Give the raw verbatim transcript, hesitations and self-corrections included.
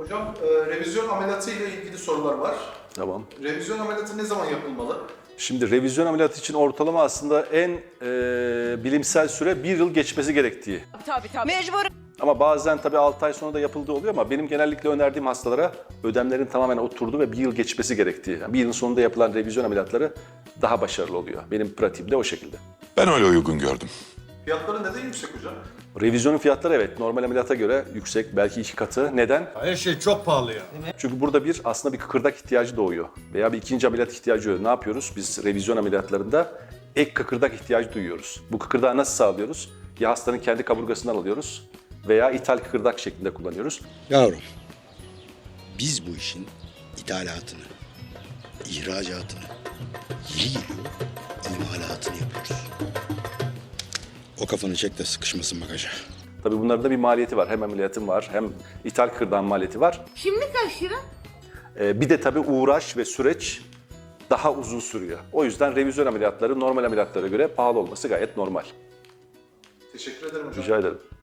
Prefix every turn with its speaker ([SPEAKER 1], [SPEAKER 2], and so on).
[SPEAKER 1] Hocam, e, revizyon ameliyatı ile ilgili sorular var.
[SPEAKER 2] Tamam.
[SPEAKER 1] Revizyon ameliyatı ne zaman yapılmalı?
[SPEAKER 2] Şimdi revizyon ameliyatı için ortalama aslında en e, bilimsel süre bir yıl geçmesi gerektiği.
[SPEAKER 3] Tabii tabii. Mecbur.
[SPEAKER 2] Ama bazen tabii altı ay sonra da yapıldığı oluyor ama benim genellikle önerdiğim hastalara ödemlerin tamamen oturduğu ve bir yıl geçmesi gerektiği. Yani bir yılın sonunda yapılan revizyon ameliyatları daha başarılı oluyor. Benim pratiğimde o şekilde.
[SPEAKER 4] Ben öyle uygun gördüm.
[SPEAKER 1] Fiyatları neden yüksek hocam?
[SPEAKER 2] Revizyonun fiyatları evet normal ameliyata göre yüksek, belki iki katı. Neden?
[SPEAKER 5] Her şey çok pahalı ya.
[SPEAKER 2] Çünkü burada bir aslında bir kıkırdak ihtiyacı doğuyor veya bir ikinci ameliyat ihtiyacı oluyor. Ne yapıyoruz? Biz revizyon ameliyatlarında ek kıkırdak ihtiyacı duyuyoruz. Bu kıkırdağı nasıl sağlıyoruz? Ya hastanın kendi kaburgasından alıyoruz veya ithal kıkırdak şeklinde kullanıyoruz.
[SPEAKER 6] Yavrum, biz bu işin ithalatını, ihracatını, yeri geliyor imalatını yapıyoruz. O kafanı çek de sıkışmasın bagaja.
[SPEAKER 2] Tabii bunların da bir maliyeti var. Hem ameliyatın var hem ithal kıkırdağın maliyeti var.
[SPEAKER 3] Şimdi kaç lira?
[SPEAKER 2] Ee, bir de tabii uğraş ve süreç daha uzun sürüyor. O yüzden revizyon ameliyatları normal ameliyatlara göre pahalı olması gayet normal.
[SPEAKER 1] Teşekkür ederim hocam.
[SPEAKER 2] Rica ederim.